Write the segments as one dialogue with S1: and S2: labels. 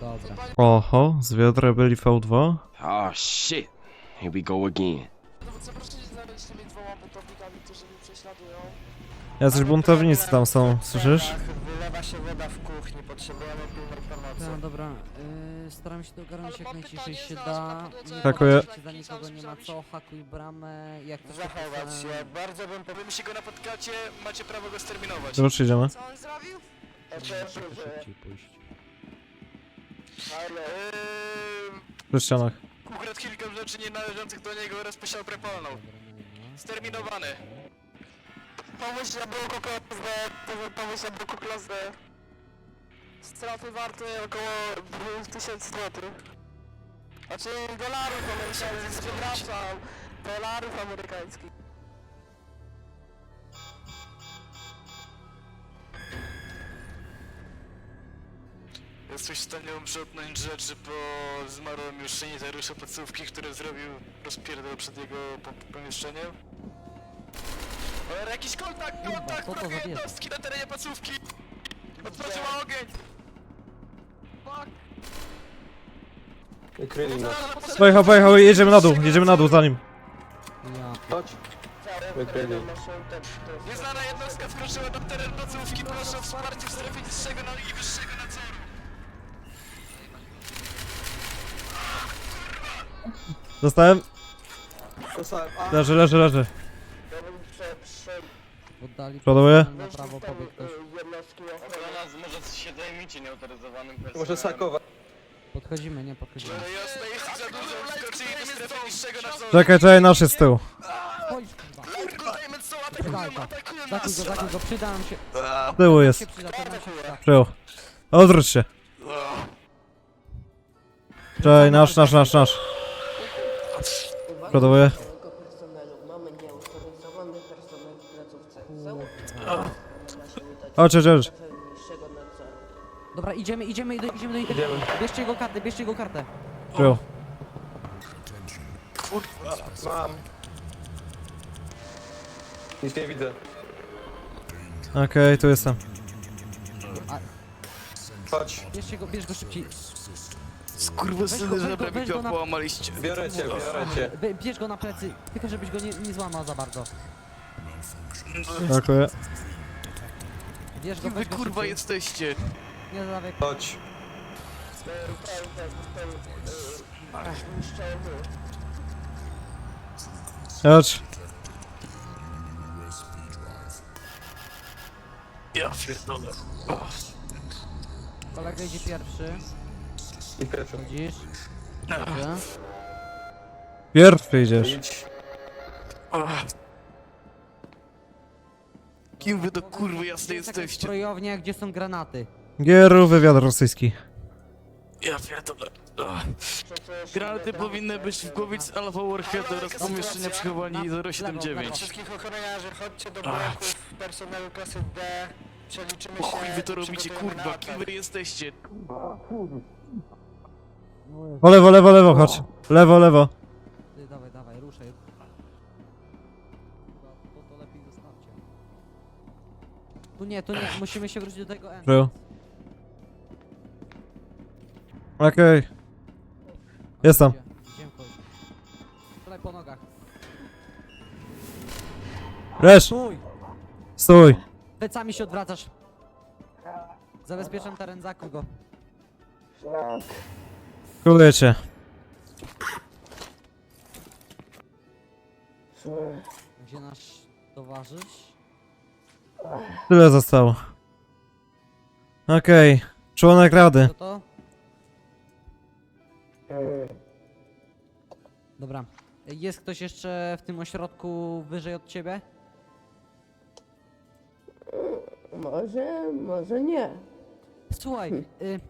S1: Dobra.
S2: Oho, zwiat rebeli V2.
S3: Oh shit. Here we go again.
S4: Dowódca, proszę się znaleźć tymi dwoma buntownikami, którzy mnie prześladują.
S2: Jacyś buntownicy tam są, słyszysz?
S5: Wylewa się woda w kuchni, potrzebujemy pilnej pomocy.
S1: No dobra, staram się to ogarnąć jak najciszej się da. Nie
S2: Hakuję.
S1: patrzcie, za nikogo nie ma co, hakuj bramę, jak coś
S5: Zachować się, bardzo bym powiedział.
S4: Wy się go napotkacie, macie prawo go sterminować.
S2: Już idziemy.
S4: Co on zrobił?
S1: szybciej pójść.
S5: Ale...
S2: Przy ścianach.
S4: Ukradł kilka rzeczy nienależących do niego oraz posiał prepolną. Sterminowany. Pomóż na bloku klasę, pomóż na bloku klasę. Straty warte około 2000 zł. Znaczy dolarów amerykańskich, przepraszam. Dolarów amerykańskich. Jesteś w stanie uprzątnąć rzeczy po zmarłym już sanitariusza placówki, który zrobił rozpierdol przed jego pomieszczeniem? Ale jakiś kontakt,
S1: co to za bieda?
S4: jednostki na terenie placówki! Otworzyła ogień! Fuck!
S5: Wykryli nas.
S2: Pojechał, pojechał, jedziemy na dół za nim.
S1: Ja.
S5: Chodź. Wykryli.
S4: Nieznana jednostka wkroczyła na teren placówki, proszę o wsparcie w strefie niższego i wyższego nadzoru.
S2: Dostałem.
S5: A,
S2: Leży.
S5: ja bym
S1: Oddali
S2: Przoduję.
S1: na prawo pobiegł ktoś.
S5: jednostki
S6: Ochrona może się zajmijcie nieautoryzowanym personelem.
S5: Może sakować.
S1: Podchodzimy, nie podchodzimy.
S4: Jasne, jest ich za dużo, wkroczyli do strefy niższego nadzoru.
S2: Czekaj, nasz jest z tyłu.
S1: Chodź, kurwa.
S4: Kurwa, dajmy co,
S1: Daj to. Zakuj go, przyda nam się.
S2: Z tyłu jest.
S1: Się przyda, to nam się przyda.
S2: Przyjął. Odwróć się. Czekaj, nasz. Przoduję.
S7: Całego personelu. Mamy nieautoryzowany personel w placówce. Zaufam.
S2: Chodź.
S7: Niższego nadzoru.
S1: Dobra, idziemy do nich. Bierzcie jego kartę.
S2: Przyjął.
S5: Mam. Nic nie widzę.
S2: Okej, tu jestem.
S5: Chodź.
S1: Bierz go szybciej.
S4: Skurwysyny,
S1: żeby mi to
S4: połamaliście.
S5: Biorę cię.
S1: Bierz go na plecy, tylko żebyś go nie złamał za bardzo.
S2: Dziękuję.
S1: Bierz go, weź go szybciej.
S4: jesteście?
S1: Nie zadawaj.
S5: Chodź.
S2: Chodź.
S4: Ja pierdolę.
S1: Kolega idzie pierwszy.
S5: I pierwszy.
S1: Widzisz? Dobrze.
S2: Pierwszy idziesz.
S5: Idź.
S4: Kim wy do kurwy jasne
S1: Jest jakaś
S4: jesteście?
S1: zbrojownia, gdzie są granaty.
S2: Gieru, wywiad rosyjski.
S4: Ja pierdolę. Granaty powinny być w głowie z Alpha Warhead oraz pomieszczenia przechowania 079.
S5: Wszystkich ochroniarzy, chodźcie do bloków personelu klasy D. Przeliczymy się.
S4: Chuj wy to robicie, kurwa, kim wy jesteście?
S2: O lewo, chodź. Lewo.
S1: Ty, dawaj, ruszaj. To lepiej zostawcie. Tu nie, musimy się wrócić do tego N.
S2: Przyjął. Okej. Jestem.
S1: Idziemy kogoś. Strzelaj po nogach.
S2: Leż. Stój.
S1: Plecami się odwracasz. Zabezpieczam teren, zakuj go.
S2: Kuluję cię.
S1: Gdzie nasz towarzysz?
S2: Tyle zostało. Okej. Członek rady.
S1: Co to? Dobra. Jest ktoś jeszcze w tym ośrodku wyżej od ciebie?
S7: Może nie.
S1: Słuchaj,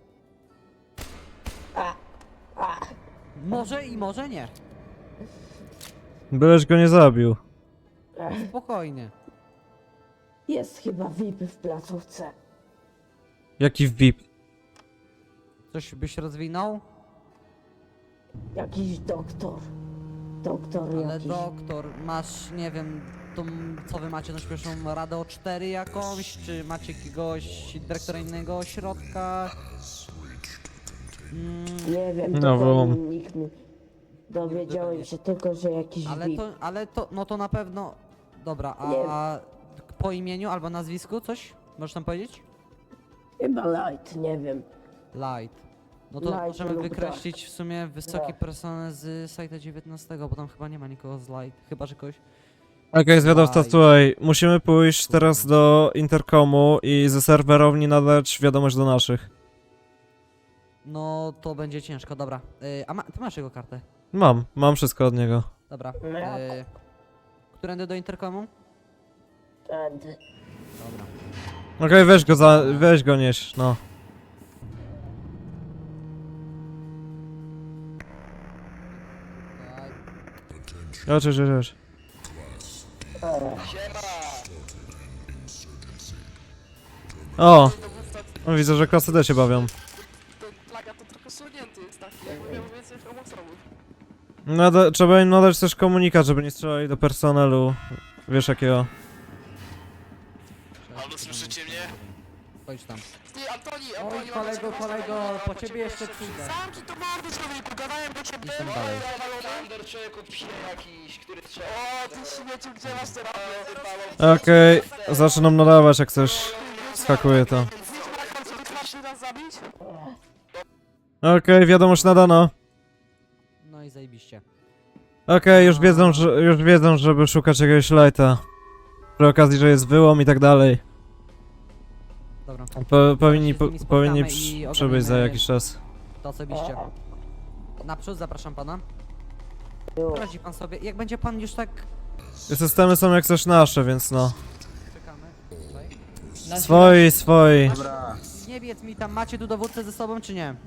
S1: może i może nie.
S2: Byleś go nie zabił.
S1: Spokojnie.
S7: Jest chyba VIP w placówce.
S2: Jaki VIP?
S1: Coś byś rozwinął?
S7: Jakiś doktor. Doktor
S1: Ale
S7: jakiś.
S1: doktor, masz, nie wiem, tą, co wy macie, tą pierwszą radę o 4 jakąś, czy macie jakiegoś dyrektora innego ośrodka?
S7: Nie wiem,
S2: No,
S7: to
S2: bo-
S7: nikt mi... Dowiedziałem się tylko, że jakiś VIP.
S1: No to na pewno... Dobra,
S7: Nie.
S1: a po imieniu albo nazwisku coś? Możesz tam powiedzieć?
S7: Chyba light, nie wiem.
S1: Light. No to
S7: Light
S1: możemy
S7: lub
S1: wykreślić w sumie wysoki
S7: Tak.
S1: personel z sajta 19, bo tam chyba nie ma nikogo z Light. Chyba, że kogoś...
S2: Okej, zwiadowca,
S1: Aj.
S2: słuchaj, musimy pójść teraz do interkomu i ze serwerowni nadać wiadomość do naszych.
S1: No to będzie ciężko, dobra. Ty masz jego kartę?
S2: Mam wszystko od niego.
S1: Dobra.
S7: No ja-
S1: Którędy do interkomu?
S7: Tędy.
S1: Dobra.
S2: Okej, weź go nieś, no. Chodź. O! No, widzę, że klasy D się bawią.
S4: Ten plaga to trochę sunięty jest taki, jakby miał więcej chromostromów.
S2: Trzeba im nadać też komunikat, żeby nie strzelali do personelu. Wiesz jakiego.
S4: Halo, słyszycie mnie?
S1: Chodź tam.
S4: Ty, Antoni,
S1: Oj, kolego, po ciebie jeszcze przyjdę.
S4: Sam ci to mordy, człowieku, gadałem do ciebie.
S1: Jestem dalej.
S6: Thunder, człowieku, psie jakiś, który strzela.
S4: O, ty śmieciu, gdzie masz terapię?
S2: Okej, zaczynam nadawać jak coś. Skakuje to.
S4: Chcesz nas zabić?
S2: Okej, wiadomość nadano.
S1: No i zajebiście.
S2: Okej, już wiedzą, żeby szukać jakiegoś lighta. Przy okazji, że jest wyłom i tak dalej.
S1: Dobra.
S2: Powinni
S1: się z nimi spotkamy
S2: powinni
S1: i
S2: przybyć za
S1: ogarniemy-
S2: jakiś czas.
S1: To osobiście. Naprzód zapraszam pana.
S7: Już.
S1: Radzi pan sobie. Jak będzie pan już tak...
S2: Systemy są jak coś nasze, więc no.
S1: Czekamy.
S2: Swoi.
S1: Nie wiedz mi tam, macie tu dowódcę ze sobą czy nie?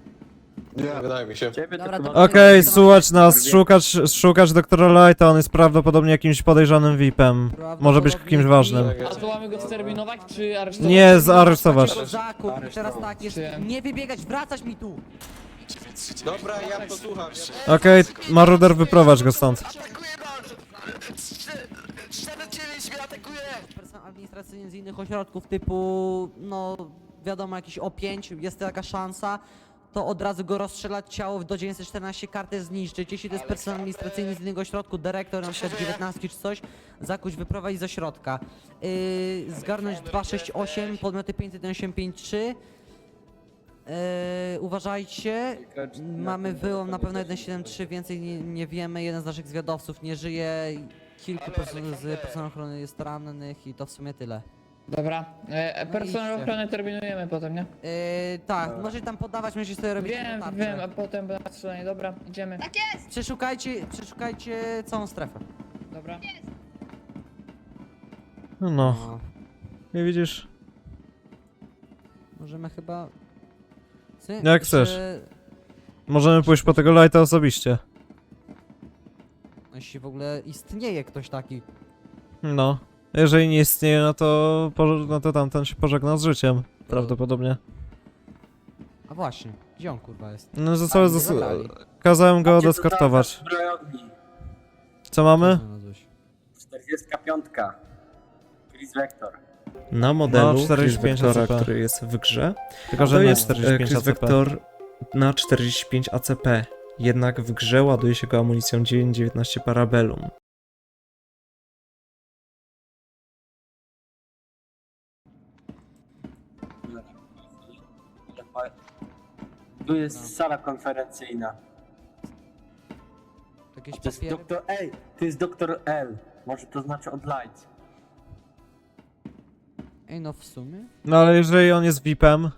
S1: Dobra, to
S2: Okej, słuchać nas, szukać doktora Lighta, on jest prawdopodobnie jakimś podejrzanym VIP-em. Może być kimś ważnym.
S8: A to mamy go sterminować, czy aresztować?
S2: Nie, zaaresztować.
S1: Zakup, i teraz tak, jest,
S8: Przyjąłem.
S1: nie wybiegać, wracać mi tu!
S3: Dobra, ja posłucham.
S2: Okej, Maruder, wyprowadź go stąd.
S4: Atakuje nas! 49 mnie atakuje!
S1: Personel administracyjny z innych ośrodków typu, no wiadomo, jakiś O5, jest taka szansa, to od razu go rozstrzelać, ciało do 914 kartę zniszczyć. Jeśli to jest personel administracyjny z innego ośrodku, dyrektor na przykład 19 czy coś, zakuć, wyprowadzić z ośrodka. Zgarnąć 268, podmioty 51853. Uważajcie, mamy wyłom na pewno 173, więcej nie wiemy, jeden z naszych zwiadowców nie żyje, kilku z personelu ochrony jest rannych i to w sumie tyle.
S8: Dobra, personel
S1: idźcie.
S8: ochrony terminujemy potem, nie?
S1: Tak, możecie tam podawać, możecie sobie robić notatce.
S8: Wiem, a potem będę strzelanie, dobra, idziemy.
S1: Przeszukajcie całą strefę.
S8: Dobra.
S2: No, nie widzisz?
S1: Możemy chyba... Co,
S2: Jak chcesz. Możemy pójść po tego Lighta osobiście.
S1: Jeśli w ogóle istnieje ktoś taki.
S2: No. Jeżeli nie istnieje, no to tamten się pożegna z życiem. Prawdopodobnie.
S1: A właśnie, gdzie on kurwa jest?
S2: No
S1: zabrali.
S2: kazałem go odeskortować. Co mamy?
S1: Znalazłeś.
S9: 45. Chris Vector.
S10: Na modelu
S2: No,
S10: Chris
S2: 45
S10: Vectora,
S2: ACP.
S10: który jest w grze,
S2: Tylko, że
S10: to
S2: nie
S10: jest
S2: 45
S10: Chris
S2: ACP.
S10: Vector na 45 ACP. Jednak w grze ładuje się go amunicją 9.19 Parabellum.
S9: Tu jest sala konferencyjna.
S1: Jakieś
S9: To jest
S1: papiery?
S9: doktor L. To jest doktor L. Może to znaczy od light.
S1: Ej, no w sumie?
S2: No ale jeżeli on jest VIP-em...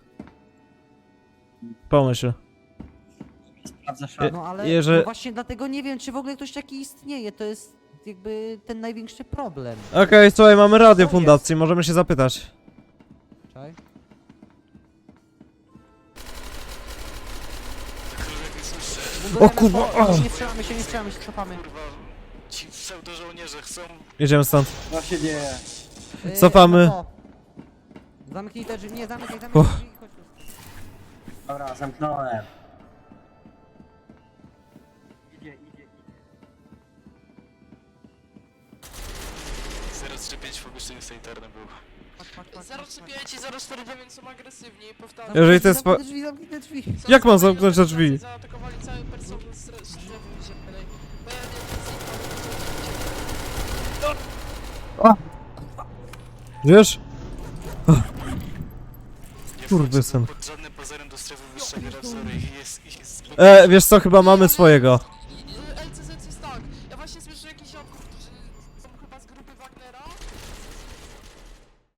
S2: Pomyśl.
S9: Sprawdza szat.
S1: No ale no właśnie dlatego nie wiem, czy w ogóle ktoś taki istnieje. To jest jakby ten największy problem.
S2: Okej, słuchaj, mamy radio fundacji, możemy się zapytać.
S1: Czaj.
S2: O kurwa!
S1: Nie strzelamy się, cofamy.
S4: Kurwa, ci pseudo-żołnierze chcą...
S2: Jedziemy stąd.
S9: Co się dzieje?
S2: Cofamy.
S1: No to. Zamknij te drzwi, nie zamykaj drzwi, chodź tu.
S9: Dobra, zamknąłem. Idzie.
S4: 035 w pomieszczeniu sanitarnym był. 035 i 049 są agresywni, powtarzam.
S2: Jeżeli to jest po...
S1: Zamknij te drzwi.
S2: Jak mam zamknąć te drzwi?
S4: Zaatakowali cały personel strefy ziemnej. Bo ja nie
S2: Wiesz? Kurwysyn.
S4: pod żadnym pozorem do strefy wyższego razoru i jest
S2: Wiesz co, chyba mamy swojego.